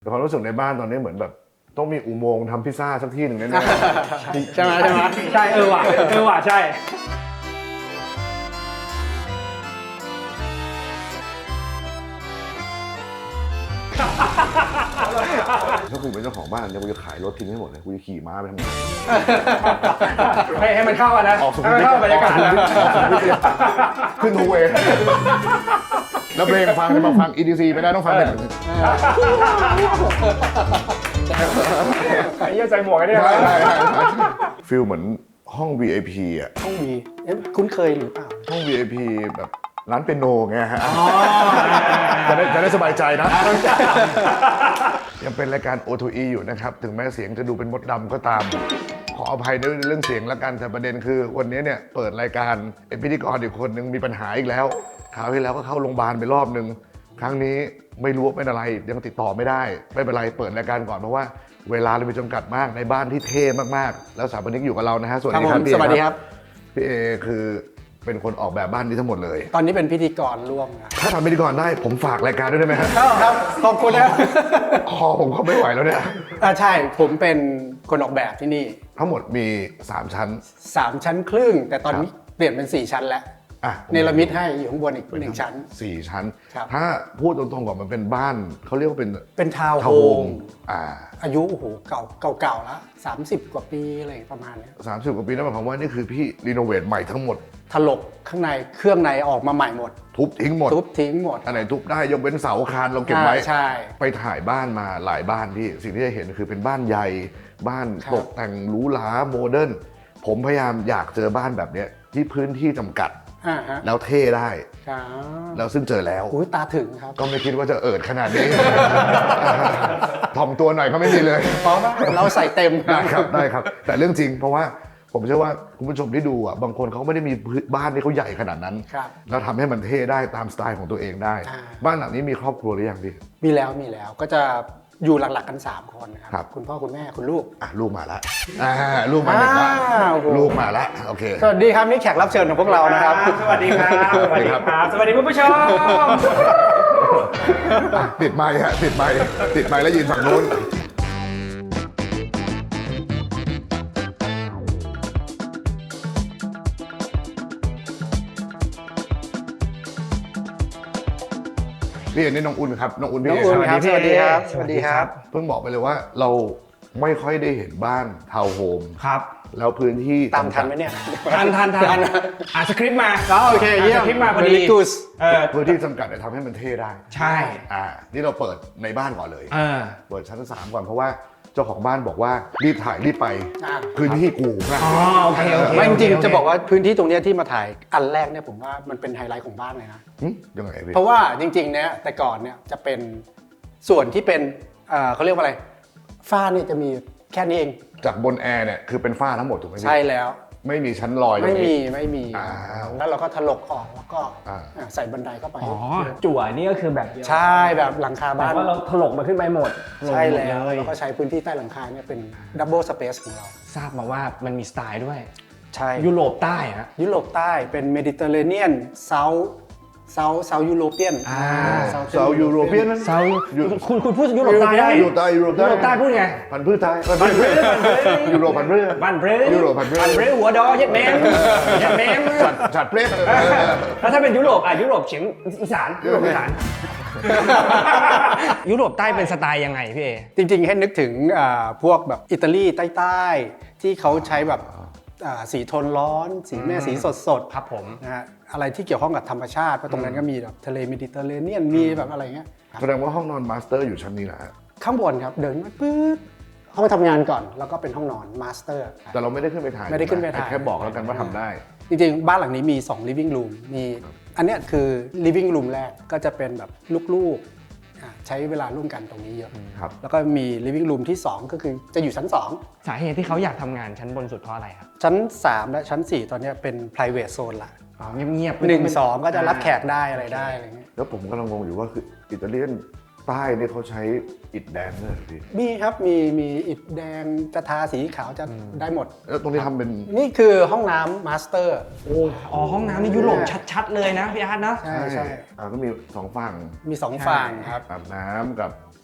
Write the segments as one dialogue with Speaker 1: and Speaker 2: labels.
Speaker 1: แต่ความรู้สึกในบ้านตอนนี้เหมือนแบบต้องมีอุโมงค์ทำพิซซ่าสักที่หนึ่งแน่ๆ
Speaker 2: ใช่ไหมใช่ว่ะใช่
Speaker 1: ถ้ากูเป็นเจ้าของบ้านเนี่ยกูจะขายรถทิ้งให้หมดเลยกูจะขี่ม้าไปทำไม
Speaker 2: ให้มันเข้ากันนะให้มันเข้าบรรยากาศนะ
Speaker 1: ขึ้นทูเวย์แล้วเพลงฟังจะมาฟัง EDC ไม่ได้ต้องฟังเป็น
Speaker 2: ไอ้เหี้ยใส่หมวกไอ้เนี่ย
Speaker 1: ฟิลเหมือนห้อง VIP อ่ะ
Speaker 2: ต้องมีคุ้นเคยหรือเปล่า
Speaker 1: ห้อง VIP แบบร้านเปียโนไงฮะจะได้สบายใจนะ ยังเป็นรายการ O2E อยู่นะครับ ถึงแม้เสียงจะดูเป็นมดดำก็ตาม ขออภัยในเรื่องเสียงละกันแต่ประเด็นคือวันนี้เนี่ยเปิดรายการพิธีกรอีกคนนึงมีปัญหาอีกแล้วคราวที่แล้วก็เข้าโรงพยาบาลไปรอบนึงครั้งนี้ไม่รู้ว่าเป็นอะไรยังติดต่อไม่ได้ไม่เป็นไรเปิดรายการก่อนเพราะว่าเวลาเรามีจำกัดมากในบ้านที่เท่มากๆแล้วสถาปนิกอยู่กับเรานะฮะสวัสดีครับพี่
Speaker 2: สวัสดีครับ
Speaker 1: พี่เอคือเป็นคนออกแบบบ้านนี้ทั้งหมดเลย
Speaker 2: ตอนนี้เป็นพิธีกรร่วมนะ
Speaker 1: ถ้าทำพิธีกรได้ผมฝากรายการด้วยได้ไหมฮะ
Speaker 2: ครับขอบคุณนะ
Speaker 1: คอผมก็ไม่ไหวแล้วเนี่ย
Speaker 2: ใช่ผมเป็นคนออกแบบที่นี่
Speaker 1: ทั้งหมดมี3ชั้น
Speaker 2: 3 ชั้นครึ่ง แต่ตอนนี้เปลี่ยนเป็น 4 ชั้นแล้ว
Speaker 1: อ่ะ
Speaker 2: เนรมิตให้อยู่ข้างบนอีก1 ชั้น
Speaker 1: 4 ชั้น
Speaker 2: ครับ
Speaker 1: ถ้าพูดตรงๆก่อนมันเป็นบ้านเขาเรียกว่าเป็น
Speaker 2: เป็นทาวน์
Speaker 1: ทาว
Speaker 2: โฮ
Speaker 1: น์โฮ
Speaker 2: ม
Speaker 1: ม
Speaker 2: อายุโอ้โหเก่าแล้ว30 กว่าปีอะไรประมาณเนี้ย
Speaker 1: 30 กว่าปีนั่นหมายความว่านี่คือพี่รีโนเวทใหม่ทั้งหมด
Speaker 2: ถลกข้างในเครื่องในออกมาใหม่หมด
Speaker 1: ทุบทิ้งหมด
Speaker 2: ทุบทิ้งหมด
Speaker 1: อันไหนทุบได้ยกเว้นเสาคานเราเก็บไว้
Speaker 2: ใช่
Speaker 1: ไปถ่ายบ้านมาหลายบ้านพี่สิ่งที่จะเห็นคือเป็นบ้านใหญ่บ้าน
Speaker 2: ครับ
Speaker 1: ตกแต่งหรูหราโมเดิร์นผมพยายามอยากเจอบ้านแบบเนี้ยที่พื้นที่จำกัด
Speaker 2: ฮะ
Speaker 1: แล้วเท่ได้
Speaker 2: ครับ
Speaker 1: แล้วซึ่งเจอแล้ว
Speaker 2: อุ้ยตาถึงครับ
Speaker 1: ก็ไม่คิดว่าจะเอิดขนาดนี้ ถ่อมตัวหน่อยก็ไม่มีเลย
Speaker 2: เพราะเราใส่เต็ม
Speaker 1: ได้ครับได้ครับ แต่เรื่องจริงเพราะว่าผมเชื่อว่าคุณผู้ชมที่ดูอ่ะบางคนเขาไม่ได้มีบ้านที่เขาใหญ่ขนาดนั้น
Speaker 2: ครับ
Speaker 1: แล้วทำให้มันเท่ได้ตามสไตล์ของตัวเองได้ บ้านหลังนี้มีครอบครัวหรือยังพี่
Speaker 2: มีแล้วก็จะอยู่หลักๆกัน 3 คนนะค
Speaker 1: ครั
Speaker 2: รับ คุณพ่อคุณแม่คุณลูก
Speaker 1: อ่ะลูกมาละลูกมาหนึ่งละ
Speaker 2: โอ้โห
Speaker 1: ลูกมาละโอเค
Speaker 2: สวัสดีครับนี่แขกรับเชิญของพวกเรานะครับ
Speaker 3: สวัสดีครับ สวัสดีครับ สวัสดีคุณผู้ชม
Speaker 1: อ่ะติดไมค์ฮะติดไมค์แล้วยืนฝั่งนู้นพี่เอ็นนี่น้องอุ่นครับน้องอุ่นพี่
Speaker 2: น้อง
Speaker 1: เอ
Speaker 2: อุ่น
Speaker 1: ครับ
Speaker 2: สวัสดีครับ
Speaker 3: สวัสดีครับ
Speaker 1: เพิ่งบอกไปเลยว่าเราไม่ค่อยได้เห็นบ้านทาวน์โฮม
Speaker 3: ครับ
Speaker 1: แล้วพื้นที่
Speaker 2: ตามทันไหมเนี่ย
Speaker 3: ทันอ่านสคริปต์มา
Speaker 2: โอเคเยี่ยม
Speaker 3: สคริปต์มาพอดี
Speaker 2: Very good
Speaker 1: พื้นที่จำกัดเนี่ยทำให้มันเท่ได้
Speaker 3: ใช่
Speaker 1: นี่เราเปิดในบ้านก่อนเลย
Speaker 3: เออ
Speaker 1: เปิดชั้น 3 ก่อนเพราะว่าเจ้าของบ้านบอกว่ารีบถ่ายรีบไป
Speaker 2: อ่า
Speaker 1: พื้นที่กูนะ
Speaker 3: อ๋อโอเคโอเค
Speaker 2: ไม่จริง
Speaker 3: โอเค
Speaker 2: ๆจะบอกว่าพื้นที่ตรงเนี้ยที่มาถ่ายอันแรกเนี่ยผมว่ามันเป็นไฮไลท์ของบ้านเลยนะ
Speaker 1: ยังไงพี่
Speaker 2: เพราะว่าจริงๆเนี่ยแต่ก่อนเนี่ยจะเป็นส่วนที่เป็นเขาเรียกว่าอะไรฝ้าเนี่ยจะมีแค่นี้เอง
Speaker 1: จากบนแอร์เนี่ยคือเป็นฝ้าทั้งหมดถูกไหมพี่
Speaker 2: ใช่แล้ว
Speaker 1: ไม่มีชั้นลอยตร
Speaker 2: ไม่
Speaker 1: งนี้
Speaker 2: มี
Speaker 1: อ้าว
Speaker 2: แล้วเราก็ถลกออกแล้วก็
Speaker 1: อ่า
Speaker 2: ใส่บันไดเข้าไป
Speaker 3: อ๋อ จั่วนี่ก็คือแบบเดียว
Speaker 2: ใช่แบบหลังคา
Speaker 3: แต่
Speaker 2: บ้าน
Speaker 3: ว่าเราถลกมาขึ้นไปหมด
Speaker 2: ใช่แล้ว
Speaker 3: เลย
Speaker 2: แล้วก็ใช้พื้นที่ใต้หลังคาเนี่ยเป็นดับเบิลสเปซของเรา
Speaker 3: ทราบมาว่ามันมีสไตล์ด้วย
Speaker 2: ใช่
Speaker 3: ยุโรปใต้ฮะ
Speaker 2: ยุโรปใต้เป็นเมดิเตอร์เรเนียนเซายูโรเปียน
Speaker 1: เซายูโรเปียน
Speaker 3: เซาคุณพูดยุโรปใต้ได้
Speaker 1: ยุโรปใต้ยุโรป
Speaker 3: ยุโรปใต้พูดไง
Speaker 1: พันธุ์พืชไทยพันธุ์พืชยูโรพันธุ์พืช
Speaker 3: บ้านเบร
Speaker 1: ยุโรปพันธุ์พืช
Speaker 3: บ้านเบรหัวดอเย็ดแมมเย็ดแมม
Speaker 1: ฉัดเพลส
Speaker 3: แล้วถ้าเป็นยุโรปยุโรปเฉียงอีสานยุโรปอีสาน ยุโรปใต้เป็นสไตล์ยังไงพี่เอ
Speaker 2: จริงๆ ให้นึกถึงพวกแบบอิตาลีใต้ๆที่เขาใช้แบบสีโทนร้อน สีแม่สีสดๆ
Speaker 3: ครับผม
Speaker 2: นะฮะอะไรที่เกี่ยวข้องกับธรรมชาติเพราะตรงนั้นก็มีแบบทะเลเมดิเตอร์เรเนียนมีแบบอะไรเงี้ย
Speaker 1: แสดงว่าห้องนอนมาสเตอร์อยู่ชั้นนี้นะฮะ
Speaker 2: ข้างบนครับเดินมาปื๊ดห้องทำงานก่อนแล้วก็เป็นห้องนอนมาสเตอร์
Speaker 1: แต่เราไม่ได้ขึ้นไปถ่าย
Speaker 2: ไม่ได้ขึ้นไปถ่าย
Speaker 1: แค่บอกแล้วกันว่าทำได้
Speaker 2: จริงๆ บ้านหลังนี้มี2 living room มีอันเนี้ยคือ living room แรกก็จะเป็นแบบลูกๆใช้เวลาร่วมกันตรงนี้เยอะ
Speaker 1: ครับ
Speaker 2: แล้วก็มี living room ที่ 2 ก็คือจะอยู่ชั้น 2
Speaker 3: สาเหตุที่เขาอยากทำงานชั้นบนสุดเพราะอะไรครับ
Speaker 2: ชั้น 3 และชั้น 4 ตอนเนี้ยเป็น private zone ละ
Speaker 3: อ๋อเงียบๆ
Speaker 2: 1 2 ก็จะรับแขกได้อะไรได้อะไรเงี้ย
Speaker 1: แล้วผมกำลังงงอยู่ว่าคืออิตาเลียนใต้เนี่ยเขาใช้อิฐแดงด้วยเหรอพี่
Speaker 2: มีครับมีอิฐแดงจะทาสีขาวจะได้หมด
Speaker 1: แล้วตรงนี้ทำเป็น
Speaker 2: นี่คือห้องน้ำมาสเตอร์
Speaker 3: อ๋อห้องน้ำนี่ยุโรปชัดๆเลยนะพี่อาร์ตนะ
Speaker 2: ใช่
Speaker 1: ก็มี2ฝั่ง
Speaker 2: มี2ฝั่งครับ
Speaker 1: อาบน้ำกับ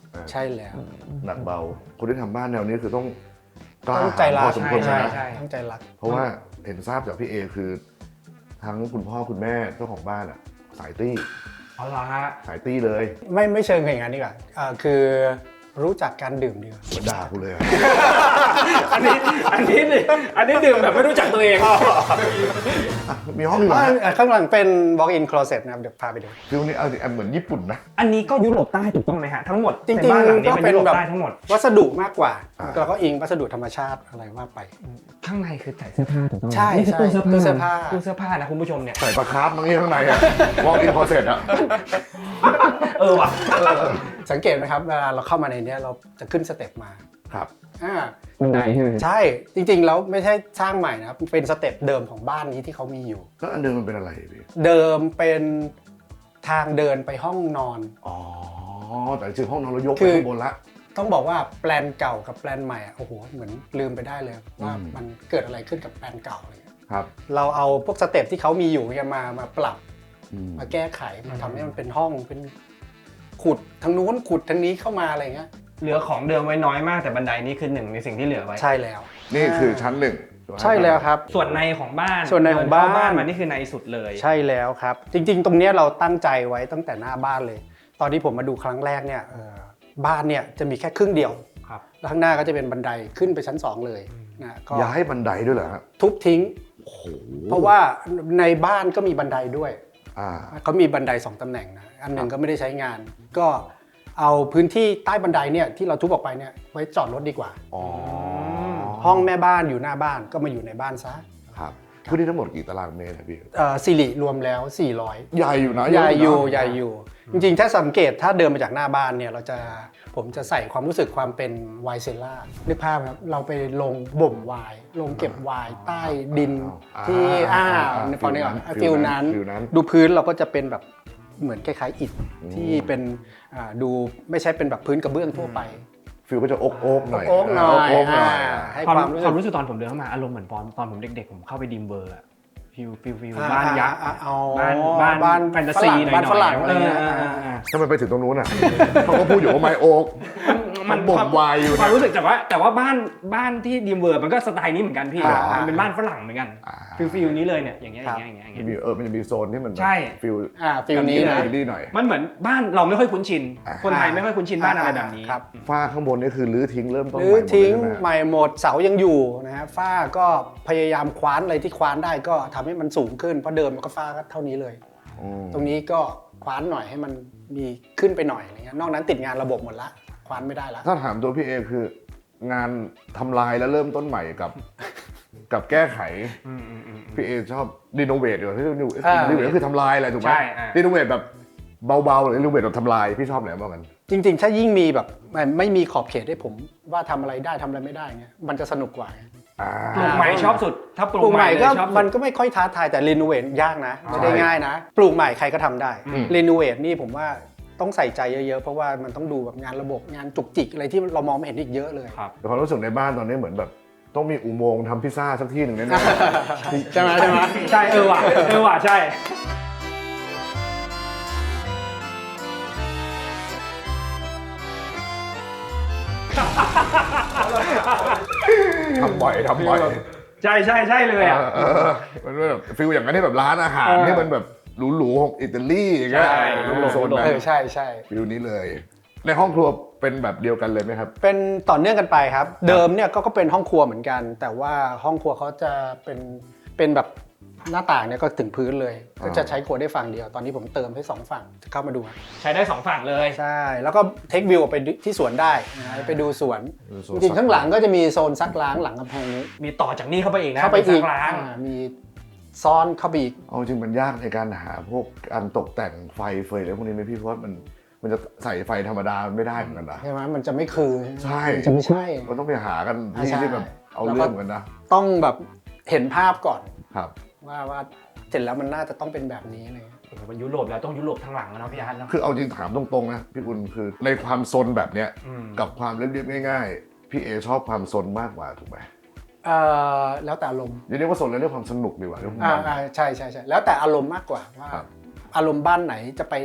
Speaker 2: ใช่แล้ว
Speaker 1: หนักเบาคนที่ทำบ้านแนวนี้คือต้องกล้า
Speaker 2: ต้องใจรัก
Speaker 1: พอสมควร
Speaker 3: ใช่
Speaker 1: นะ
Speaker 3: ใช่
Speaker 2: ตั้งใจรัก
Speaker 1: เพราะว่าเห็นทราบจากพี่เอคือทั้งคุณพ่อคุณแม่เจ้าของบ้านอ่ะสายตี้
Speaker 3: อ๋อเหรอฮะ
Speaker 1: สายตี้เลย
Speaker 2: ไม่เชิงอย่างนั้นดีกว่าคือรู้จักการดื่มดีกว่า
Speaker 1: เหมือนด่ากูเลยอะ
Speaker 3: อันนี้ดื่มแบบไม่รู้จักตัวเอง
Speaker 1: มีห้องเหรอฮะ
Speaker 2: ข้างหลังเป็น walk-in closet นะครับเดี๋ยวพาไปดู
Speaker 1: ฟิลนี้เอาเหมือนญี่ปุ่นนะ
Speaker 3: อันนี้ก็ยุโรปใต้ถูกต้องไหมฮะทั้งหมด
Speaker 2: จริง
Speaker 3: ในบ้านหลัง
Speaker 2: ๆ
Speaker 3: นี้
Speaker 2: ก็
Speaker 3: เป็
Speaker 2: เป็น น
Speaker 3: ยุโรป
Speaker 2: แบบ
Speaker 3: ใต้ทั้งหมด
Speaker 2: วัสดุมากกว่า
Speaker 1: อ่า
Speaker 2: แล้วก็อิงวัสดุธรรมชาติอะไรว่าไป
Speaker 3: ข้างในคือใส่เสื้อผ้าถูกต้องไหม
Speaker 2: ใช่
Speaker 3: นี่คือตู้
Speaker 2: ใช่
Speaker 3: เสื้อผ้า
Speaker 2: ตู้เสื้อผ้า
Speaker 3: ตู้เสื้อผ้านะคุณผู้ชมเนี่ย
Speaker 1: ใส่ปลาคาร์ฟมั้งนี่ข้างในอะวอล์กอินพอเสร็จอะ
Speaker 3: ว่ะ
Speaker 2: สังเกตไหมครับเวลาเราเข้ามาในเนี้ยเราจะขึ้นสเต็ปมา
Speaker 1: ครับ
Speaker 2: อ่า
Speaker 3: บันไดใช่ไหม
Speaker 2: ใช่จริงๆแล้วไม่ใช่สร้างใหม่นะครับเป็นสเต็ปเดิมของบ้านนี้ที่เขามีอยู่
Speaker 1: แล้วอันเดิมมันเป็นอะไรพี่
Speaker 2: เดิมเป็นทางเดินไปห้องนอน
Speaker 1: อ๋อแต่จริงๆห้องนอนเรายก
Speaker 2: คื
Speaker 1: ไป
Speaker 2: อ
Speaker 1: ข้างบนละ
Speaker 2: ต้องบอกว่าแปลนเก่ากับแปลนใหม่อะโอ้โหเหมือนลืมไปได้เลยว่า
Speaker 1: อืม
Speaker 2: มันเกิดอะไรขึ้นกับแปลนเก่าอะไรเงี้ย
Speaker 1: ครับ
Speaker 2: เราเอาพวกสเต็ปที่เขามีอยู่เนี่ยมาปรับ
Speaker 1: อืม
Speaker 2: มาแก้ไขมาทำให้มันเป็นห้องเป็นขุดทางนู้นขุดทางนี้เข้ามาอะไรเงี้ย
Speaker 3: เหลือของเดิมไว้น้อยมากแต่บันไดนี้คือหนึ่งในสิ่งที่เหลือไว้
Speaker 2: ใช่แล้ว
Speaker 1: นี่คือชั้นหนึ่ง
Speaker 2: ใช่แล้วครับ
Speaker 3: ส่วนในของบ้าน
Speaker 2: ส่วนในของบ้าน
Speaker 3: เดิเข้มานี่คือในสุดเลย
Speaker 2: ใช่แล้วครับ จริงๆ ตรงเนี้ยเราตั้งใจไว้ตั้งแต่หน้าบ้านเลย ตอนที่ผมมาดูครั้งแรกเนี่ยบ้านเนี่ยจะมีแค่ครึ่งเดียว
Speaker 3: ครับ
Speaker 2: แล้วข้างหน้าก็จะเป็นบันไดขึ้นไปชั้น 2 เลยนะก็
Speaker 1: ย้ายบันไดด้วยเหรอฮะ
Speaker 2: ทุบทิ้ง
Speaker 1: โอ้โห
Speaker 2: เพราะว่าในบ้านก็มีบันไดด้วย
Speaker 1: อ่า
Speaker 2: เขามีบันได2ตำแหน่งนะอันหนึ่งก็ไม่ได้ใช้งาน ก็เอาพื้นที่ใต้บันไดเนี่ยที่เราทุบออกไปเนี่ยไว้จอดรถดีกว่า
Speaker 1: อ๋อ
Speaker 2: ห้องแม่บ้านอยู่หน้าบ้านก็มาอยู่ในบ้านซะ
Speaker 1: ครับพื้นที่ทั้งหมดกี่ตารางเมตรอะพี่
Speaker 2: สิริรวมแล้ว 400
Speaker 1: ใหญ่อยู่นะ
Speaker 2: ใหญ่อยู่
Speaker 1: นะ
Speaker 2: ใหญ่อยู่ จริงๆ ถ้าสังเกตถ้าเดินมาจากหน้าบ้านเนี่ยผมจะใส่ความรู้สึกความเป็นไวน์เซลล่านึกภาพครับเราไปลงบ่มไวน์ลงเก็บไวน์ใต้ดินที่ฟังได้ก่อนฟิลนั้น ดูพื้นเราก็จะเป็นแบบเหมือนคล้ายๆอิฐที่เป็นดูไม่ใช่เป็นแบบพื้นกระเบื้องทั่วไป
Speaker 1: ฟิลก็จะโอ๊กๆหน่อย
Speaker 2: โอ๊กหน่อย
Speaker 1: โอ๊กๆหน่อย
Speaker 2: ให้
Speaker 3: ความ
Speaker 2: ความรู้สึก
Speaker 3: รู้สึกตอนผมเดินเข้ามาอารมณ์เหมือนตอนผมเด็กๆผมเข้าไปดิมเบอร์อะฟิลบ้านยักษ์บ้านแฟนตาซีหน่อย
Speaker 2: บ้านฝรั่งอะไรเงี้ย
Speaker 1: ทำไมไปถึงตรงนู้นอ่ะ เขาก็พูดอยู่ว่าไม้โอ๊กมันบ่มไวน์อยู่
Speaker 3: ความ
Speaker 1: นะ
Speaker 3: รู้สึกแต่ว่าบ้านที่ดิมเบอร์มันก็สไตล์นี้เหมือนกันพี่มันเป็นบ้านฝรั่งเหมือนกันฟิลนี้เลยเนี่ยอย่างเงี้ย
Speaker 1: มันจะมีโซนที่มันแบบ
Speaker 3: ใช่
Speaker 1: ฟิล
Speaker 2: ฟิลนี้นะ
Speaker 1: ดีหน่อย
Speaker 3: มันเหมือนบ้านเราไม่ค่อยคุ้นชิน
Speaker 1: อ่า
Speaker 3: คนไทยไม่ค่อยคุ้นชินบ้านอะไรแบบนี้
Speaker 2: ครับ
Speaker 1: ฝ้าข้างบนนี่คือรื้อทิ้งเริ่มต้น
Speaker 2: ห
Speaker 1: ให
Speaker 2: รือ
Speaker 1: ม่หมดเลย
Speaker 2: ทิ้ง
Speaker 1: ใช่ไหม
Speaker 2: ใหม่หมดเสายังอยู่นะฮะฝ้าก็พยายามคว้านอะไรที่คว้านได้ก็ทำให้มันสูงขึ้นเพราะเดิมมันก็ฝ้าก็เท่านี้เลย
Speaker 1: อืม
Speaker 2: ตรงนี้ก็คว้านหน่อยให้มันมีขึ้นไปหน่อยอะไรเงี้ยนอกนั้นติดงานระบบหมดละคว้านไม่ได้ละ
Speaker 1: ถ้าถามตัวพี่เอคืองานทำลายแล้วเริ่มต้นใหม่กับแก้ไขพี่เอชอบรีโนเวทอยู่ที่รีโนเวทก็คือทำลายอะไรถูกไหม
Speaker 3: ใช่
Speaker 1: รีโนเวทแบบเบาๆหรือรีโนเวทแบบทำลายพี่ชอบไหนมากกัน
Speaker 2: จริงๆ ถ้ายิ่งมีแบบไม่มีขอบเขตให้ผมว่าทำอะไรได้ทำอะไรไม่ได้เงี้ยมันจะสนุกกว่า
Speaker 3: ปลูกใหม่ชอบสุดถ้าป
Speaker 2: ป
Speaker 3: ลู
Speaker 2: ลู
Speaker 3: ก
Speaker 2: ก
Speaker 3: ให
Speaker 2: ให
Speaker 3: ม่
Speaker 2: ม่
Speaker 3: เล
Speaker 2: ก็
Speaker 3: ยชอบสุ
Speaker 2: มั
Speaker 3: ด
Speaker 2: นก็ไม่ค่อยท้าทายแต่รีโนเวทยากนะไม่ได้ง่ายนะปลูกใหม่ใครก็ทำได้รีโนเวทนี่ผมว่าต้องใส่ใจเยอะๆเพราะว่ามันต้องดูแบบงานระบบงานจุกจิกอะไรที่เรามองไม่เห็นอีกเยอะเลย
Speaker 3: ครับ
Speaker 1: แต่ความรู้สึกในบ้านตอนนี้เหมือนแบบต้องมีอุโมงค์ทำพิซซ่าสักที่หนึ่งแน่
Speaker 2: ใช่ไหม
Speaker 3: ใช่ว่ะใช่
Speaker 1: ๆทำบ่อย
Speaker 3: ใช่เลยอ่ะ
Speaker 1: มันแบบฟิลอย่างนั้นที่แบบร้านอาหารที่มันแบบหรูๆของอิตาลีอย่างเงี้ย
Speaker 3: ใช่
Speaker 1: โซนนั้น
Speaker 2: ใช่
Speaker 1: ฟิลนี้เลย ในห้องครัวเป็นแบบเดียวกันเลยไหมครับ
Speaker 2: เป็นต่อเนื่องกันไปครับ เดิมเนี่ยก็เป็นห้องครัวเหมือนกัน แต่ว่าห้องครัวเขาจะเป็นแบบหน้าต่างเนี่ยก็ถึงพื้นเลย ก็จะใช้ครัวได้ฝั่งเดียว ตอนนี้ผมเติมให้2ฝั่งเข้ามาดู
Speaker 3: ใช้ได้สองฝั่งเลย
Speaker 2: ใช่ แล้วก็เทควิวไปที่สวนได้นะไปดูสวน
Speaker 1: ดูส
Speaker 2: จ
Speaker 1: วน
Speaker 2: ริงๆข้างหลังก็จะมีโซนซักล้างหลังกำแพงนี้
Speaker 3: มีต่อจากนี้เข้าไปอีกนะ
Speaker 2: เข้าไปอีก
Speaker 3: ซัล้าง
Speaker 2: มีซ้อนเข้าไปอีก
Speaker 1: เอาจริงมันยากในการหาพวกการตกแต่งไฟเฟยอะไรพวกนี้ไหมพี่เพราะว่ามันจะใส่ไฟธรรมดาไม่ได้เหมือนกันนะ
Speaker 2: ใช่ไหมมันจะไม่คือ
Speaker 1: ใช่
Speaker 2: มันจะไม่ใช่
Speaker 1: มันต้องไปหากันที่
Speaker 2: ใช่
Speaker 1: ที่แบบเอาเรื่องเหมือนกันนะ
Speaker 2: ต้องแบบเห็นภาพก่อน
Speaker 1: ครับ
Speaker 2: ว่าเสร็จแล้วมันน่าจะต้องเป็นแบบนี้เลย
Speaker 3: โอ้โหมันยุโรปแล้วต้องยุโรปทั้งหลังแล้วเนาะพี่อาร์ตเนาะ
Speaker 1: คือเอาจริงถามตรงๆนะพี่คุณคือในความซนแบบเนี้ย
Speaker 3: อืม
Speaker 1: กับความเรียบๆง่ายๆพี่เอชอบความซนมากกว่าถูกไหม
Speaker 2: แล้วแต่อารมณ์
Speaker 1: อย่าเรียกว่าซนเลยเรียกความสนุกดีกว่าเรียกว่ามัน
Speaker 2: ใช่แล้วแต่อารมณ์มากกว่าว่า
Speaker 1: ครับ
Speaker 2: อารมณ์บ้านไหนจะไป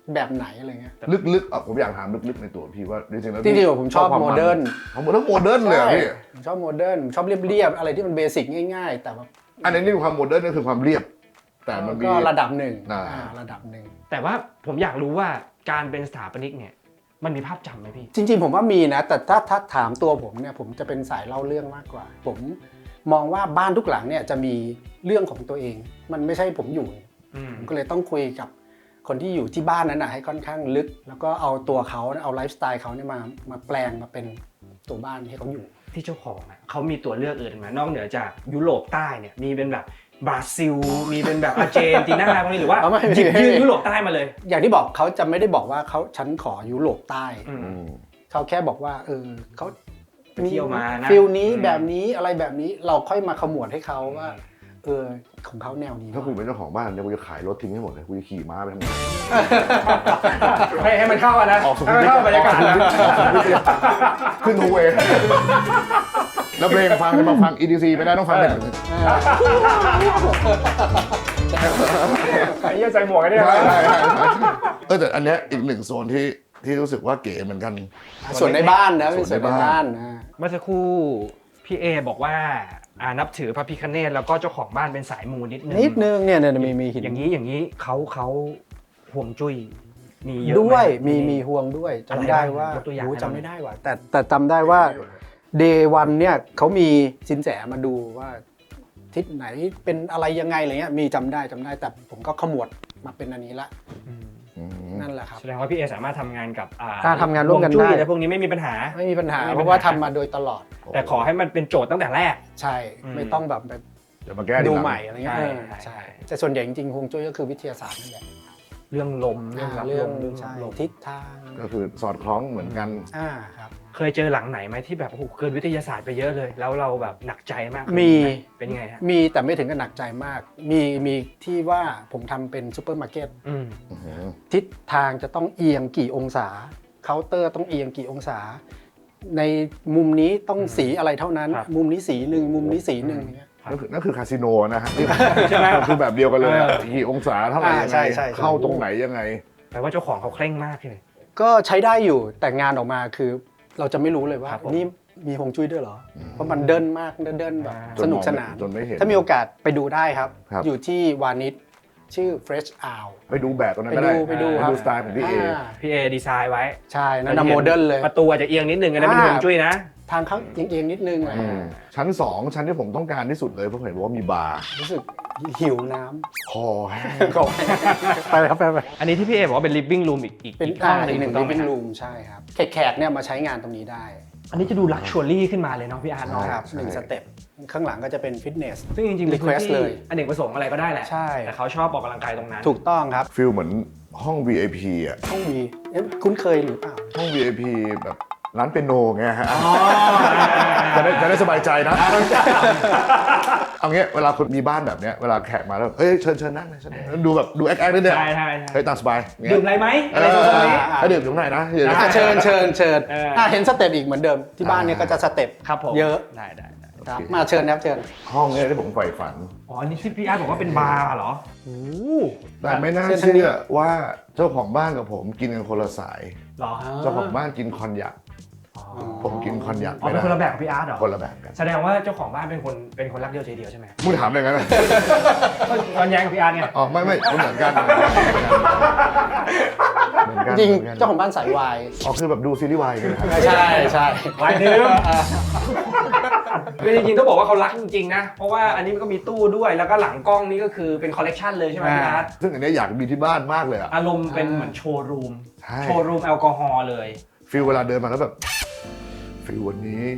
Speaker 2: แบบไหนอะไรเงี้ย
Speaker 1: ลึกๆผมอยากถามลึกๆในตัวพี่ว่าจริงๆแล้ว
Speaker 2: จริงๆผมชอบโมเดิร์น
Speaker 1: ผมต้องโมเดิร์นเลยอะพี่
Speaker 2: ผมชอบโมเดิร์นชอบเรียบๆอะไรที่มันเบสิกง่ายๆ แต่ว่า
Speaker 1: อันนี้ความโมเดิร์นก็คือความเรียบ แต่มันมี
Speaker 2: ก็ระดับหนึ่ง
Speaker 1: อ่า
Speaker 2: ระดับหนึ่ง
Speaker 3: แต่ว่าผมอยากรู้ว่าการเป็นสถาปนิกเนี่ยมันมีภาพจำไหมพี่
Speaker 2: จริงๆผมว่ามีนะแต่ถ้าถามตัวผมเนี่ยผมจะเป็นสายเล่าเรื่องมากกว่า ผมมองว่าบ้านทุกหลังเนี่ยจะมีเรื่องของตัวเอง มันไม่ใช่ผมอยู่ผมก็เลยต้องคุยกับคนที่อยู่ที่บ้านนั้นนะให้ค่อนข้างลึก แล้วก็เอาตัวเขาเอาไลฟ์สไตล์เขาเนี่ยมาแปลงมาเป็นตัวบ้านให้เขาอยู่
Speaker 3: ที่เจ้าของอ่ะเขามีตัวเลือกอื่นไหมนอกเหนือจากยุโรปใต้เนี่ยมีเป็นแบบบราซิลมีเป็นแบบอาร์เจนตินาพวกนี้หรือว่า
Speaker 2: เอาไม่
Speaker 3: หยิบยื่นยุโรปใต้มาเลย
Speaker 2: อย่างที่บอกเขาจะไม่ได้บอกว่าฉันขอยุโรปใต้
Speaker 3: อืม
Speaker 2: เขาแค่บอกว่าเขา
Speaker 3: ไปเที่ยวมานะ
Speaker 2: ฟิลนี้แบบนี้อะไรแบบนี้เราค่อยมาขมวดให้เขาว่าของเขาแนวนี้
Speaker 1: ถ้ากูเป็นเจ้าของบ้านเนี่ยกูจะขายรถทิ้งให้หมดเลยกูจะขี่ม้าไปทำงาน
Speaker 3: ให้มันเข้ากันนะ
Speaker 1: ออกสุขุ
Speaker 3: ให้
Speaker 1: ม
Speaker 3: มัน
Speaker 1: วิท
Speaker 3: เข้าบรรยากาศนะ
Speaker 1: ขึ้นโฮเวย์แล้วเพลงฟังจะมาฟัง EDC ไม่ได้ต้องฟังเป็น
Speaker 3: ไอ้เหี้ยใส่หมวกกันเนี่ย
Speaker 1: ใช่แต่อันเนี้ยอีกหนึ่งโซนที่รู้สึกว่าเก๋เหมือนกัน
Speaker 2: ส่วนในบ้านนะเป็น
Speaker 1: ส่
Speaker 2: ส่
Speaker 1: ว
Speaker 2: วน น
Speaker 1: ใน
Speaker 2: ใน
Speaker 1: บ้า
Speaker 2: บ้าน นนะ
Speaker 3: เมื่อสักครู่พี่เอบอกว่านับถือพระพิฆเนศแล้วก็เจ้าของบ้านเป็นสายมูนิดนึง
Speaker 2: นิดนึงเนี่ยมีหิน
Speaker 3: อย่างนี้เขาห่วงจุ้ยมีเยอะไหม
Speaker 2: ด้วยมีห่วงด้วยจำได้ว่า
Speaker 3: อะไรบ้างยกตัวอย่าง
Speaker 2: โอ้
Speaker 3: ให้เรา
Speaker 2: จำไม่ได้ว่ะแต่จำได้ว่าเดย์วันเนี่ยเขามีสินแสมาดูว่าทิศไหนเป็นอะไรยังไงอะไรเงี้ยมีจำได้แต่ผมก็ขมวดมาเป็นอันนี้ละ
Speaker 3: อืม
Speaker 2: นั่นแหละครับ
Speaker 3: แสดงว่าพี่เอสามารถทำงานกับ
Speaker 2: ถ้าทำงานร่วมกัน
Speaker 3: ฮจุ้ย
Speaker 2: ได้
Speaker 3: และพวกนี้ไม่มีปัญหา
Speaker 2: ไม่มีปัญหา
Speaker 3: ไม่มีปัญหา
Speaker 2: เพราะว่าทำมาโดยตลอด
Speaker 3: แต่ขอให้มันเป็นโจทย์ตั้งแต่แรก
Speaker 2: ใช่
Speaker 3: อืม
Speaker 2: ไม่ต้องแบบไป
Speaker 1: เดี๋ยวมาแก้ที
Speaker 2: ดู
Speaker 1: หลัง
Speaker 2: ใหม่อะไรเงี้ย
Speaker 3: ใช่
Speaker 2: ใช่แต่ส่วนใหญ่จริงๆฮวงจุ้ยก็คือวิทยาศาสตร์นั่นแหละ
Speaker 3: เรื่องลมเรื่องรับ
Speaker 2: เรื่
Speaker 3: ล
Speaker 2: อง
Speaker 3: มเรื่อง
Speaker 2: ใช่
Speaker 3: ลม
Speaker 2: ทิศทาง
Speaker 1: ก็คือสอดคล้องเหมือนกัน
Speaker 2: ครับ
Speaker 3: เคยเจอหลังไหนไหมที่แบบโอ้โหเกินวิทยาศาสตร์ไปเยอะเลย แล้วเราแบบหนักใจมาก
Speaker 2: มี
Speaker 3: เป็นไงฮะ
Speaker 2: มีแต่ไม่ถึงกับหนักใจมาก มีที่ว่าผมทำเป็นซูเปอร์มาร์เก็ต
Speaker 3: อืม
Speaker 2: ทิศทางจะต้องเอียงกี่องศาเคาน์เตอร์ต้องเอียงกี่องศา ในมุมนี้ต้องสีอะไรเท่านั้น มุมนี้สีหนึ่งมุมนี้สีหนึ่งอย่างเงี้ย
Speaker 1: นั่นคือคาสิโนนะฮะ
Speaker 3: ใช่ไหม
Speaker 1: คือแบบเดียวกันเลยอะกี่องศาเท่าไหร่ยัง
Speaker 2: ใช่
Speaker 1: ไง
Speaker 2: ใช่
Speaker 1: เข้าตรงไหนยังไง
Speaker 3: แปลว่าเจ้าของเขาเคร่งมากเลย
Speaker 2: ก็ใช้ได้อยู่แต่งานออกมาคือเราจะไม่รู้เลยว่า
Speaker 3: ครับผม
Speaker 2: นี่มีฮวงจุ้ยด้วยเหรอ เพราะมันเดินมากเดินแบบ
Speaker 1: จ
Speaker 2: ส
Speaker 1: น
Speaker 2: นุ
Speaker 1: ม
Speaker 2: ก
Speaker 1: อง
Speaker 2: สนาน
Speaker 1: จนไม่เห็น
Speaker 2: ถ้ามีโอกาสไปดูได้ครับ
Speaker 1: ครับ
Speaker 2: อยู่ที่วานิชชื่อ Fresh Owl
Speaker 1: ไปดูแบบตรงนั้นก็ได้
Speaker 2: ไปดูครับ
Speaker 1: สไตล์ของพี่เอ
Speaker 3: พี่เอดีไซน์ไว้
Speaker 2: ใช่นั่นนะโมเดิร์นเลย
Speaker 3: ประตูอาจจะเอียงนิดนึงอันนั้นเป็นฮวงจุ้ยนะ
Speaker 2: ทางเขาเอียงๆนิดนึงอะไร
Speaker 1: ชั้น 2 ชั้นที่ผมต้องการที่สุดเลยเพราะเห็นว่ามีบาร์
Speaker 2: รู้สึกหิวน้
Speaker 1: คอแห้ง
Speaker 2: ำก็ไปครับไป
Speaker 3: อันนี้ที่พี่เอบอกว่าเป็น living room อีก
Speaker 2: เป็น
Speaker 3: ห้องห
Speaker 2: อี
Speaker 3: นึ่ง
Speaker 2: กหนึ่ง
Speaker 3: ถูกต้องไหม
Speaker 2: living room ใช่ครับแขกเนี่ยมาใช้งานตรงนี้ได้
Speaker 3: อันนี้จะดู luxury ขึ้นมาเลยเนาะพี่อาร์ตเนาะ
Speaker 2: ครับหนึ่งสเต็ปข้างหลังก็จะเป็นฟิตเนส
Speaker 3: ซึ่งจริงๆเป็นพื้น
Speaker 2: request
Speaker 3: ที่
Speaker 2: เลย
Speaker 3: อเนกประสงค์อะไรก็ได้แหละ
Speaker 2: ใช่
Speaker 3: แต่เขาชอบออกกำลังกายตรงนั้น
Speaker 2: ถูกต้องครับ
Speaker 1: ฟิลเหมือนห้อง VIP อ่ะ
Speaker 2: ต้องมีคุ้นเคยหรือเปล่า
Speaker 1: ห้อง VIP แบบร้านเปียโนไงฮะจะได้สบายใจนะ เอางี้เวลาคนมีบ้านแบบเนี้ยเวลาแขกมาแล้วเฮ้ยเชิญนั่งเลยเชิญนั่งดูแบบดูแอคนิดเดียว
Speaker 3: ใช่ใช่
Speaker 1: เฮ้ยตามสบายเงี้ย
Speaker 3: ดื่มอะไรไหม
Speaker 1: เอ
Speaker 3: อะไร
Speaker 1: อ
Speaker 3: ทรงนี้
Speaker 1: ให้ดื่มตรงไหนนะเดี๋ยว
Speaker 2: เชิญ
Speaker 3: เออ
Speaker 2: เห็นสเต็ปอีกเหมือนเดิมที่บ้านเนี่ยก็จะสเต็ป
Speaker 3: ครับผม
Speaker 2: เยอะ
Speaker 3: ได้
Speaker 2: ครับมาเชิญครับเชิญ
Speaker 1: ห้องเนี้ยที่ผมใฝ่ฝัน
Speaker 3: อ๋ออันนี้ที่พี่อาร์ตบอกว่าเป็นบาร์เหรอ
Speaker 1: แต่ไม่น่า
Speaker 2: เชิญทางนี้
Speaker 1: เชื่อว่าเจ้าของบ้านกับผมกินกันคนละสาย
Speaker 3: เหรอ
Speaker 1: เจ้าของบ้านกินคอนยักผมกินคอนยัก
Speaker 3: อ๋อเป็นคนละแบบกับพี่อาร์ตเหรอ
Speaker 1: คนละแบบกัน
Speaker 3: แสดงว่าเจ้าของบ้านเป็นคนรักเดียวใจเดียวใช่ไหม
Speaker 1: มึงถามอะไรกันนะ
Speaker 3: ตอนแย้งกับพี่อาร์ตไง
Speaker 1: อ๋อไม่เหมือนกันเหมือนกัน
Speaker 2: จริง
Speaker 1: หมือนกัน
Speaker 2: เจ้าของบ้านสายวาย
Speaker 1: อ๋อคือแบบดูซีรีส์วายกันนะครับ
Speaker 2: ใช่
Speaker 3: วายดื่มคือจริงๆต้องบอกว่าเขารักจริงๆนะ เพราะว่าอันนี้มันก็มีตู้ด้วย แล้วก็หลังกล้องนี่ก็คือเป็นคอลเลกชันเลยใช่ไหมพี่อาร์ต
Speaker 1: ซึ่งอันเนี้ยอยากมีที่บ้านมากเลยอะ
Speaker 3: อารมณ์เป็นเหมือนโชว์รูม
Speaker 1: ใช่
Speaker 3: โชว์รูมแอลกอฮอล์เลย
Speaker 1: ฟิลเวลาเดินมาแล้วแบบฟิลวันนี้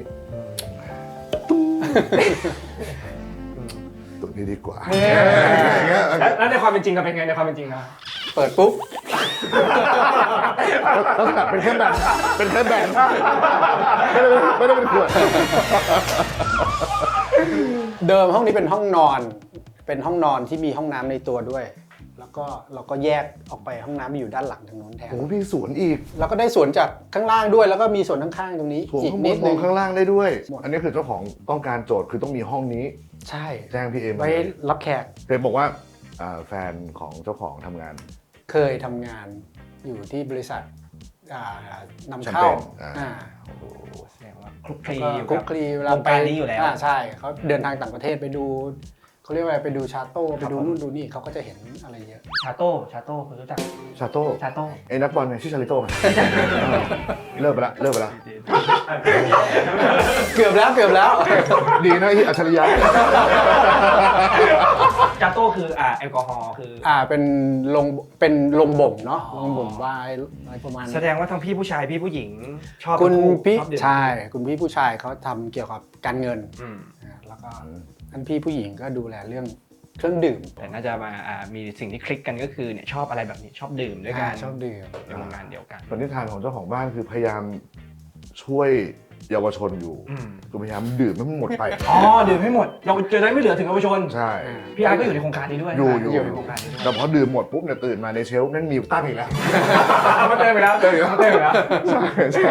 Speaker 1: ตัวนี้ดีกว่าอย่างเงี้ย
Speaker 3: แล้วในความเป็นจริงก็เป็นไงในความเป็นจริงนะ
Speaker 2: เปิดปุ๊บ
Speaker 1: ลักษณะเป็นแค่แบนไม่ได้เป็นขวด
Speaker 2: เดิมห้องนี้เป็นห้องนอน เป็นห้องนอนที่มีห้องน้ำในตัวด้วย แล้วก็เราก็แยกออกไปห้องน้ำอยู่ด้านหลังทางโน้นแทน
Speaker 1: โอ้พี่สวนอีก
Speaker 2: แล้วก็ได้สวนจากข้างล่างด้วย แล้วก็มีสวนข้างๆตรงนี้
Speaker 1: สวน
Speaker 2: อีก
Speaker 1: ข้างบ
Speaker 2: นิ
Speaker 1: น
Speaker 2: ด
Speaker 1: ม
Speaker 2: นึ
Speaker 1: อง
Speaker 2: ง
Speaker 1: ข้างล่างได้ด้วย
Speaker 2: หมด
Speaker 1: อันนี้คือเจ้าของต้องการโจทย์คือต้องมีห้องนี้
Speaker 2: ใช่
Speaker 1: แจ้งพี่เอมา
Speaker 2: ไว้
Speaker 1: เลย
Speaker 2: รับแขก
Speaker 1: เคยบอกว่าแฟนของเจ้าของทำงาน
Speaker 2: เคยทำงานอยู่ที่บริษัทนำ
Speaker 1: แชม
Speaker 2: เข้า
Speaker 1: เปญ
Speaker 2: อ่า
Speaker 3: แสดงว่าคลุกคลี
Speaker 2: ก็
Speaker 3: อยู่
Speaker 2: คลุก
Speaker 3: กับ
Speaker 2: คลีเว
Speaker 3: ว
Speaker 2: ลาง ไป
Speaker 3: การนี้อยู่แล้ว
Speaker 2: ใช่เขาเดินทางต่างประเทศไปดูเขาเรียกว่าอะไรไปดูชาโต้ไปดู
Speaker 3: ครับผม
Speaker 2: นู่นดูนี่เขาก็จะเห็นอะไรเยอะ
Speaker 3: ชาโต้คุณรู้จัก
Speaker 1: ชาโต้
Speaker 3: ชาโต้
Speaker 1: ไอ้นักบอลเนี่ยชื่อชาลิโต้ไงเลิกไปละเลิกไปละ
Speaker 2: เกือบแล้ว
Speaker 1: ดีนะที่อัจฉริยะ
Speaker 3: ชาโต้คือแอลกอฮอล์คือ
Speaker 2: เป็นลงบ่มเนาะ
Speaker 3: อ๋อ
Speaker 2: ลงบ่มไวน์อะไรประมาณ
Speaker 3: แสดงว่าทั้งพี่ผู้ชายพี่ผู้หญิงชอบ
Speaker 2: คุณ
Speaker 3: ทั้งคู่
Speaker 2: พี่
Speaker 3: ชอบดื่ม
Speaker 2: ใช่คุณพี่ผู้ชายเขาทำเกี่ยวกับการเงิน
Speaker 3: อืม
Speaker 2: แล้วก็ท่านพี่ผู้หญิงก็ดูแลเรื่องเครื่องดื่ม
Speaker 3: แต่น่าจะมามีสิ่งที่คลิกกันก็คือเนี่ยชอบอะไรแบบนี้ชอบดื่มด้วยกัน
Speaker 2: ชอบดื่ม
Speaker 3: ในวงการเดียวกัน
Speaker 1: ปณิธานของเจ้าของบ้านคือพยายามช่วยเยาวชนอยู่
Speaker 3: อืม
Speaker 1: คือพยายามดื่มให้มันหมดไป
Speaker 3: อ๋อดื่มให้หมดเราจะได้ไม่เหลือถึงเยาวชน
Speaker 1: ใช่
Speaker 3: พี่อาร์ตก็อยู่ในโครงการนี้ด้วย
Speaker 1: อยู่
Speaker 3: ในโครงการนี้ด้วย
Speaker 1: แต่พอดื่มหมดปุ๊บเนี่ยตื่นมาในเชลฟ์นั่นมีตั้งอีกแล้ว
Speaker 3: มาเติมไปแล้ว
Speaker 1: เติมอีกแล้ว
Speaker 3: เติมไปแล้ว
Speaker 1: ใช่ใช่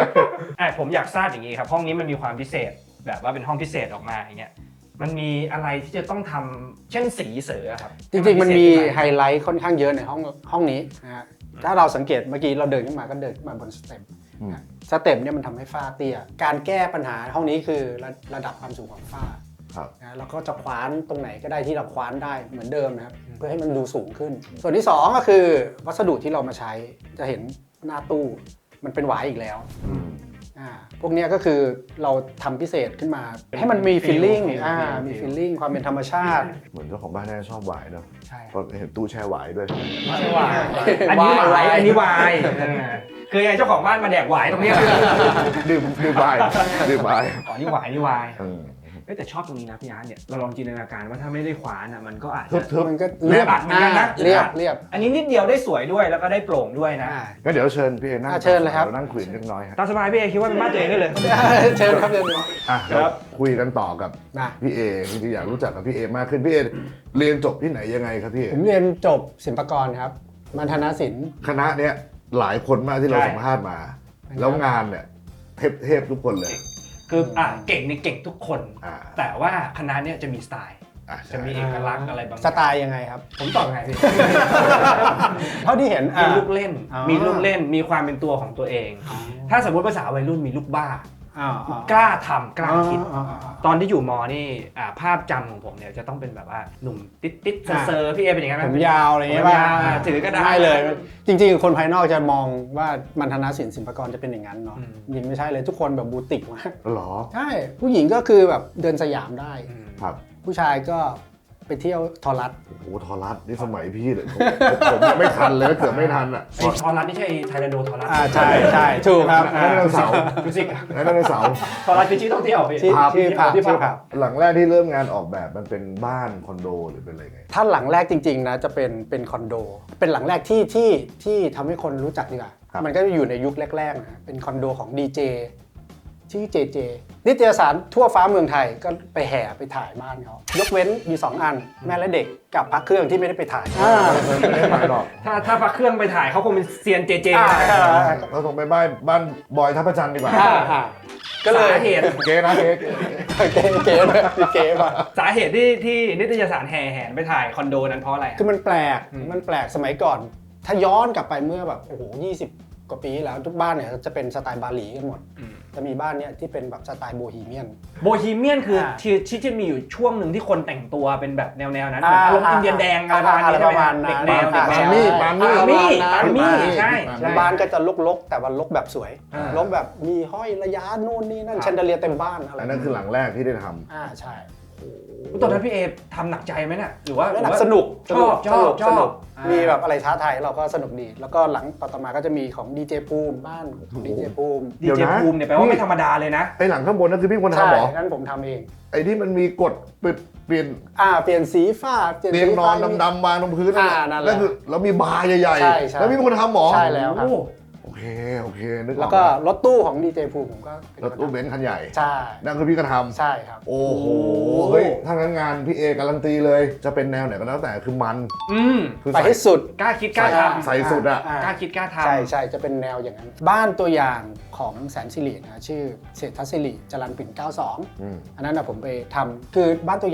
Speaker 3: ผมอยากทราบอย่างนี้ครับห้องนี้มันมีความพิเศษแบบว่าเป็นห้องพิเศษออกมาอย่างเงี้ยมันมีอะไรที่จะต้องทำเช่นสีเสือครับ
Speaker 2: จริงๆมันมี
Speaker 3: พิเศษ
Speaker 2: ไฮไลท์ค่อนข้างเยอะในห้องนี้นะฮะถ้าเราสังเกตเมื่อกี้เราเดินขึ้นมาก็เดินขึ้นมาบนสเต็ปสเต็ปเนี่ยมันทำให้ฝ้าเตี้ยการแก้ปัญหาห้องนี้คือระดับความสูงของฝ้า
Speaker 1: ครับ
Speaker 2: นะแล้วก็จะคว้านตรงไหนก็ได้ที่เราคว้านได้เหมือนเดิมนะครับเพื่อให้มันดูสูงขึ้น ส่วนที่2ก็คือวัสดุที่เรามาใช้จะเห็นหน้าตู้มันเป็นหวายอีกแล้ว
Speaker 1: อืม
Speaker 2: พวกเนี้ยก็คือเราทำพิเศษขึ้นมา ให้มันมีฟีลลิ่ง
Speaker 3: feel
Speaker 2: มีฟีลลิ่งความเป็นธรรมชาติ
Speaker 1: เหมือนเจ้าของบ้านน่าจะชอบหวายเนอะ
Speaker 3: ใช่
Speaker 1: เพราะเห็นตู้แช่หวายด้วย
Speaker 3: ไม่ใช่วายอันนี้วายอันนี้วายคือไงเจ้าของบ้านมาแดกหวายตรงเนี้ย
Speaker 1: ดื่มวายดื่มวาย
Speaker 3: อ๋อนี่หวายนี่วาย
Speaker 1: เออ
Speaker 3: แต่ชอบตรงนี้นะพี่อาร์ตเนี่ยเราลองจินตนาการว่าถ้าไม่ได้ขวานอ่ะมันก็อาจ
Speaker 1: ทึ
Speaker 3: จะ
Speaker 1: บทึบ
Speaker 2: มันก็เรียบ
Speaker 3: แม่บัตรเหมือนกันนะ
Speaker 2: เรียบ
Speaker 3: อันนี้นิดเดียวได้สวยด้วยแล้วก็ได้โปร่งด้วยนะ
Speaker 1: งั้นเดี๋ยวเชิญพี่เอนั่ง
Speaker 2: เชิญเลยครับ
Speaker 1: านั่งคุยกันเล็กน้อยฮะ
Speaker 3: ตามสบายพี่เอคิดว่าเป็นบ้านตัวเองได้เลย
Speaker 2: เชิญครับเชิญเลย
Speaker 1: อ่ะ
Speaker 3: ครับ
Speaker 1: คุยกันต่อกับ
Speaker 2: นะ
Speaker 1: พี่เอจริงๆอยากรู้จักกับพี่เอมากขึ้นพี่เอเรียนจบที่ไหนยังไงครับพี่เอ
Speaker 2: ผมเรียนจบศิลปากรครับมัณฑนศิลป์
Speaker 1: คณะเนี้ยหลายคนมากที่เรา
Speaker 3: ใช่
Speaker 1: สัมภาษณ์มา แล้วงานเนี่ยเทพทุกคนเลย
Speaker 3: คือเก่งในเก่งทุกคน
Speaker 1: อ่า
Speaker 3: แต่ว่าคณะเนี้ยจะมีสไตล์
Speaker 1: อ่ะใช่
Speaker 3: จะมีเอกลักษณ์อะไรบาง
Speaker 2: สไตล์ยังไงครับ
Speaker 3: ผมตอบไงพี่
Speaker 2: เท่าที่เห็น
Speaker 3: มีลูกเล่น
Speaker 2: อ๋อ
Speaker 3: มีลูกเล่นมีความเป็นตัวของตัวเอง ถ้าสมมติภาษาวัยรุ่นมีลูกบ้า กล้าทำกล้าคิด ตอนที่อยู่มนี่ภาพจำของผมเนี่ยจะต้องเป็นแบบว่าหนุ่มติ๊ดๆเซอร์ๆพี่เอเป็นอย่างนั้นไห
Speaker 2: ผม มยาวอะไรเงี้ย
Speaker 3: ผม
Speaker 2: ป่ะ
Speaker 3: ยาวถือกระดาษ
Speaker 2: ไม่เลย จริงๆ คนภายนอกจะมองว่ามัณฑนศิลป์ศิลปากรจะเป็นอย่างนั้นเนาะ
Speaker 3: อืม
Speaker 2: จริงไม่ใช่เลยทุกคนแบบบูติกมาก
Speaker 1: เหรอ
Speaker 2: ใช่ ผู้หญิงก็คือแบบเดินสยามได้
Speaker 1: ครับ
Speaker 2: ผู้ชายก็ไปเที่ยวทอรัส
Speaker 1: โอ้โหทอรัสนี่สมัยพี่เลยผมยังไม่ทันเลยเกือบไม่ทันอ่ะ
Speaker 3: ไอ้ทอรัสนี่ใช่ไทยแลนโดทอรัส
Speaker 2: ใช่ใช่ถูกครับ
Speaker 1: ไดโนเสาร์
Speaker 3: ฟิสิกส์
Speaker 1: ไดโนเสาร์
Speaker 3: ทอรัสคือชื่อท่องเที่ยวพี่
Speaker 2: ชื่อ
Speaker 1: ผับ
Speaker 2: ชื่อผับ
Speaker 3: ที่ผับ
Speaker 2: ชื่อผับ
Speaker 1: หลังแรกที่เริ่มงานออกแบบมันเป็นบ้านคอนโดหรือเป็นอะไรไง
Speaker 2: ถ้าหลังแรกจริงๆนะจะเป็นคอนโด เป็นหลังแรกที่ทำให้คนรู้จักดีกว่า
Speaker 1: ครับ
Speaker 2: มันก็อยู่ในยุคแรกๆนะเป็นคอนโดของดีเจชื่อเจเจนิตยสารทั่วฟ้าเมืองไทยก็ไปแห่ไปถ่ายบ้านเขายกเว้นอยู่2อันแม่และเด็กกับพระเครื่องที่ไม่ได้ไปถ่าย
Speaker 1: ไม่ได้ไปหรอก
Speaker 3: ถ้าพักเครื่องไปถ่ายเขาคงเป็นเซียนเจเจ
Speaker 1: เราส่งไปบ้านบอยทัพพระจันทร์ดีกว่า
Speaker 3: ก็เลยสาเหตุ
Speaker 1: เก๋นะเก๋
Speaker 2: เก๋เก๋เลยเก๋ป่ะ
Speaker 3: สาเหตุที่นิตยสารแห่แหนไปถ่ายคอนโดนั้นเพราะอะไร
Speaker 2: คือมันแปลกสมัยก่อน ถ้าย้อนกลับไปเมื่อแบบโอ้โห20 กว่าปีที่แล้วทุกบ้านเนี่ยจะเป็นสไตล์บาหลีกันหมด จะมีบ้านเนี่ยที่เป็นแบบสไตล์โบฮีเมียน
Speaker 3: โบฮีเมียนคือ
Speaker 2: อ่า
Speaker 3: ที่จะมีอยู่ช่วงหนึ่งที่คนแต่งตัวเป็นแบบแนวๆนั้นเหมือนอารมณ์อินเดียนแดงอะไรประมาณนี้
Speaker 2: อะไร
Speaker 3: ใช่ไหม
Speaker 2: ประมาณนั้น
Speaker 3: เด็กแนว
Speaker 2: ใช่
Speaker 3: ปา
Speaker 1: ปามี่
Speaker 3: มี่
Speaker 2: ใช่
Speaker 3: ใช่
Speaker 2: บ้านก็จะลกๆ แต่ว่าลกแบบสวย
Speaker 3: อ่า
Speaker 2: ลกแบบมีห้อยระยะนู่นนี่นั่นแชนเดเลียร์เต็มบ้านอะไร
Speaker 1: อันนั้นคือหลังแรกที่ได้ท
Speaker 2: ใช่
Speaker 3: ตอนนั้นพี่เอทำหนักใจไหมน่ะหรือว่า
Speaker 2: แล้วสนุก
Speaker 3: ชอบ
Speaker 2: สนุก
Speaker 3: อ่ามี
Speaker 2: มีแบบอะไรท้าทายเราก็สนุกดี แล้วก็หลังต่อมาก็จะมีของดีเจภูมิบ้านดีเจภูมิ
Speaker 3: ดีเจภูมิเนี่ยแปลว่าไม่ธรรมดาเลยนะ
Speaker 1: ำไอ้หลังข้างบนนั่นคือพี่คน
Speaker 2: ใช่
Speaker 1: ทำเหรอ
Speaker 2: นั่นผมทำเอง
Speaker 1: ไอ้ที่มันมีกดเปลี่ยน
Speaker 2: เปลี่ยนสีฝ้าเปลี่ยน
Speaker 1: เตียง
Speaker 2: สี
Speaker 1: นอนดำๆวางตรงพื้น
Speaker 2: นั่นแหละ
Speaker 1: แล้วคือแล้วมีบาร์ใหญ่
Speaker 2: ใช่ใช่
Speaker 1: แล้วมีคนทำเหรอ
Speaker 2: ใช่แล้วครับ
Speaker 1: โอเคนึกออก
Speaker 2: แล้วก็รถตู้ของดีเจภูมิผมก็เป็น
Speaker 1: รถตู้เบนซ์คันใหญ่
Speaker 2: ใช่
Speaker 1: นั่นคือพี่ก็ทำ
Speaker 2: ใช่ครับ
Speaker 1: โอ้โห เฮ้ย ถ้างั้นงานพี่เอการันตีเลย จะเป็นแนวไหนก็แล้วแต่คือมัน คือ
Speaker 2: ไปให้สุด
Speaker 3: กล้าคิดกล้าทำ
Speaker 1: ใส่สุดอะ
Speaker 3: กล้าคิดกล้าทำ
Speaker 2: ใช่จะเป็นแนวอย่างนั้น บ้านตัวอย่างของแสนสิรินะชื่อเศรษฐศิริจรัญปิ่น 92
Speaker 1: อืม
Speaker 2: อันนั้นนะผมไปทำคือบ้านตัวอย่าง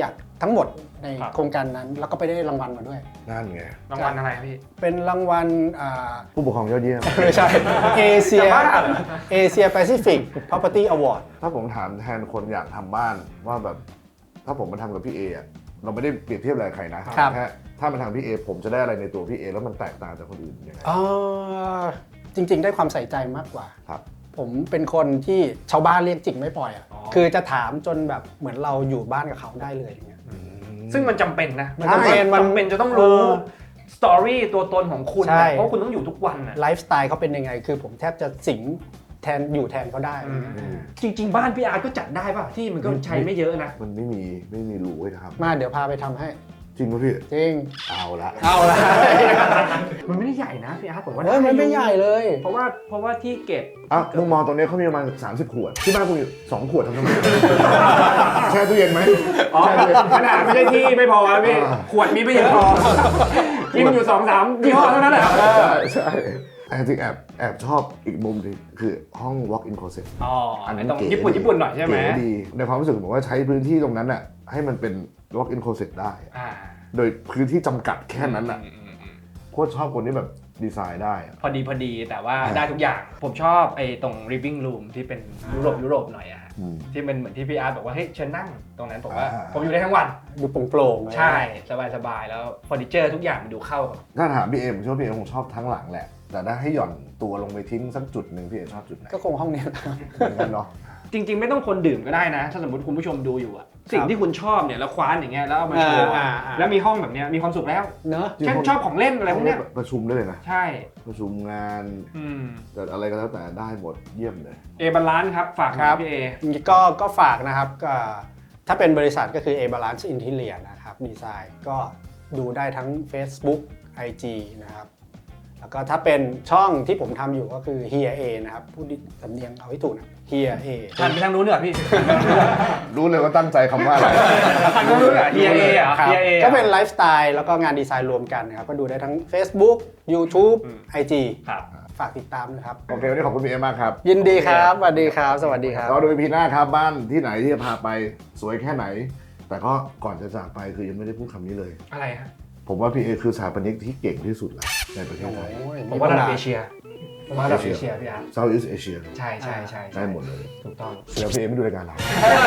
Speaker 2: ทั้งหมดใน
Speaker 3: ครับ
Speaker 2: โครงการนั้น แล้วก็ไปได้รางวัลมาด้วย
Speaker 1: นั่นไง
Speaker 3: รางวัลอะไรครับพี่
Speaker 2: เป็นรางวัล
Speaker 1: ผู้ปกครองยอดเยี่ยม
Speaker 2: ไม่ใช่เอเชีย
Speaker 3: จะบ้าเหรอ
Speaker 2: เอเชียแปซิฟิก property award
Speaker 1: ถ้าผมถามแทนคนอยากทำบ้านว่าแบบถ้าผมมาทำกับพี่เออะเราไม่ได้เปรียบเทียบอะไรกับใครนะครับ แค่ถ้ามาทำพี่เอผมจะได้อะไรในตัวพี่เอแล้วมันแตกต่างจากคนอื่นยังไง
Speaker 2: จริง ๆ ได้ความใส่ใจมากกว่า
Speaker 1: ครับ
Speaker 2: ผมเป็นคนที่ชาวบ้านเรียกจิกไม่ปล่อยอ่ะ
Speaker 3: อ๋อ
Speaker 2: คือจะถามจนแบบเหมือนเราอยู่บ้านกับเขาได้เลยอย่างเงี้ย
Speaker 3: ซึ่งมันจำเป็นนะ
Speaker 2: มันจำเป็นมัน
Speaker 3: จำเป็นจะต้องรู้สตอรี่ตัวตนของคุณ
Speaker 2: ใช่
Speaker 3: นะเพราะคุณต้องอยู่ทุกวันนะ
Speaker 2: ไลฟ์สไตล์เขาเป็นยังไง คือผมแทบจะสิงแทนอยู่แทนเขาได้
Speaker 3: จริง ๆ บ้านพี่อาร์ตก็จัดได้ป่ะที่มันก็ใช้ไม่เยอะนะ
Speaker 1: มันไม่มีรูให้ท
Speaker 2: มาเดี๋ยวพาไปทำให้
Speaker 1: ำจริงป่ะพี่
Speaker 2: จริง
Speaker 1: เอาละ
Speaker 2: เอาละ
Speaker 3: มันไม่ได้ใหญ่นะพี่อาร์ตผมว่า
Speaker 2: เฮ้ยมันไม่ใหญ่เลย
Speaker 3: เพราะว่าที่เก็บ
Speaker 1: อ่ะมุมมองตรงนี้เขามีประมาณ30 ขวด ที่บ้านคุณมี2 ขวดทำไม แช่ตู้เย็นไหม
Speaker 3: อ๋อ
Speaker 1: แช่ตู้เย็น
Speaker 3: ขนาดไม่ใช่ที่ไม่พอนะพี่
Speaker 1: อ่า
Speaker 3: ขวดมีไม่เยอะพอกินอยู่2-3ยี่ห้อเท่านั้นแหละ
Speaker 1: ใช่แต่จริงแอบชอบอีกมุมหนึงคือห้อง walk in closet
Speaker 3: อ๋ออัน
Speaker 1: นั้น
Speaker 3: ต้อง
Speaker 1: เก๋
Speaker 3: ญี่ปุ่นหน่อยใช่ไหม
Speaker 1: เก๋ดีในความรู้สึกผมว่าใช้พื้นที่ตรงนั้นน่ะให้มันเป็น walk in closet ได้
Speaker 3: อ่า
Speaker 1: โดยพื้นที่จำกัดแค่นั้นน่ะโคตรชอบคนที่แบบดีไซน์ได้อะ
Speaker 3: พอดีแต่ว่าได้ทุกอย่าง ผมชอบไอ้ตรง living room ที่เป็นยุโรปหน่อยอะฮะ
Speaker 1: อืม
Speaker 3: ที่เป็นเหมือนที่พี่อาร์ตบอกว่าเฮ้ยเชิญนั่งตรงนั้นผมว่า
Speaker 1: อ่า
Speaker 3: ผมอยู่ได้ทั้งวัน
Speaker 2: ดูโปร่งๆเลย
Speaker 3: ใช่สบายๆแล้วเฟอร์นิเจอร์ทุกอย่างมันดูเข้ากับ
Speaker 1: ถ้าถามพี่เอผมเชื่อว่าพี่เอคงชอบทั้งหลังแหละ แต่ถ้าให้หย่อนตัวลงไปทิ้งสักจุดหนึ่งพี่เอชอบจุดไหน
Speaker 2: ก็คงห้องนี้แหละ
Speaker 1: เหมือนกันเนาะ
Speaker 3: จริง ๆ ไม่ต้องคนดื่มก็ได้นะ ถ้าสมมติคุณผู้ชมดูอยู่อะสิ่งที่คุณชอบเนี่ยแล้วคว้านอย่างเงี้ยแล้วเอามาโชว์อะแล้วมีห้องแบบเนี้ยมีความสุขแล้ว
Speaker 2: เนอะ
Speaker 1: จริง
Speaker 3: เช่นชอบของเล่นอะไรพวกเนี้ย
Speaker 1: ประชุมได้เลยนะ
Speaker 3: ใช่
Speaker 1: ประชุมงาน แต่อะไรก็แล้วแต่ได้หมดเยี่ยมเลย
Speaker 3: เอบาลานซ์ครับฝากหน่อยพี่เอ
Speaker 2: ก็ฝากนะครับก็ถ้าเป็นบริษัทก็คือ A Balance Interior นะครับดีไซน์ก็ดูได้ทั้ง Facebook IG นะครับแล้วก็ถ้าเป็นช่องที่ผมทำอยู่ก็คือ Here A นะครับพูดสำเนียงเอาให้ถูกนะ Here A
Speaker 3: หันไปทางนู้นเหรอพี่
Speaker 1: รู้เลยว่าตั้งใจคำว่าอะไร
Speaker 3: หันไปทางนู้นเหรอ Here A เหรอ
Speaker 2: ครับ
Speaker 3: Here A
Speaker 2: ก็เป็นไลฟ์สไตล์แล้วก็งานดีไซน์รวมกันนะครับก็ดูได้ทั้ง Facebook YouTube IG
Speaker 3: ครับ
Speaker 2: ฝากติดตามนะครับ
Speaker 1: โอเควันนี้ขอบคุณพี่เอมากครับ
Speaker 2: ยินดีครับสวัสดีครับ สวัสดีครับ
Speaker 1: เราดูพีหน้าครับบ้านที่ไหนที่จะพาไปสวยแค่ไหน แต่ก็ก่อนจะจากไปคือยังไม่ได้พูดคำนี้เลย
Speaker 3: อะไรฮะ
Speaker 1: ผมว่าพี่เอคือสถาปนิกที่เก่งที่สุดแล้วในประเทศไทย
Speaker 3: ผมว่าระดับเอเชียผมว่าระดับเอเชียพี่อาร์ต
Speaker 1: Southeast Asia
Speaker 3: ใช่ใช่ใช่
Speaker 1: ได้หมดเลย
Speaker 3: ถูกต้อง
Speaker 1: เดี๋ยวพี่เอไม่ดูรายการเรา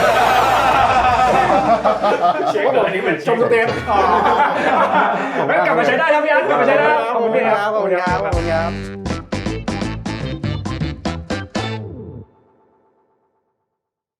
Speaker 3: เช็คก่อนอันนี้เหมือนชมเต็มกลับมาใช้ได้แล้วพี่อาร์ตกลับมาใช้ได้ขอบคุณพี่
Speaker 2: ค
Speaker 3: ค
Speaker 2: รั
Speaker 3: รั
Speaker 2: บบ ขอบคุณครับขอบคุณครับ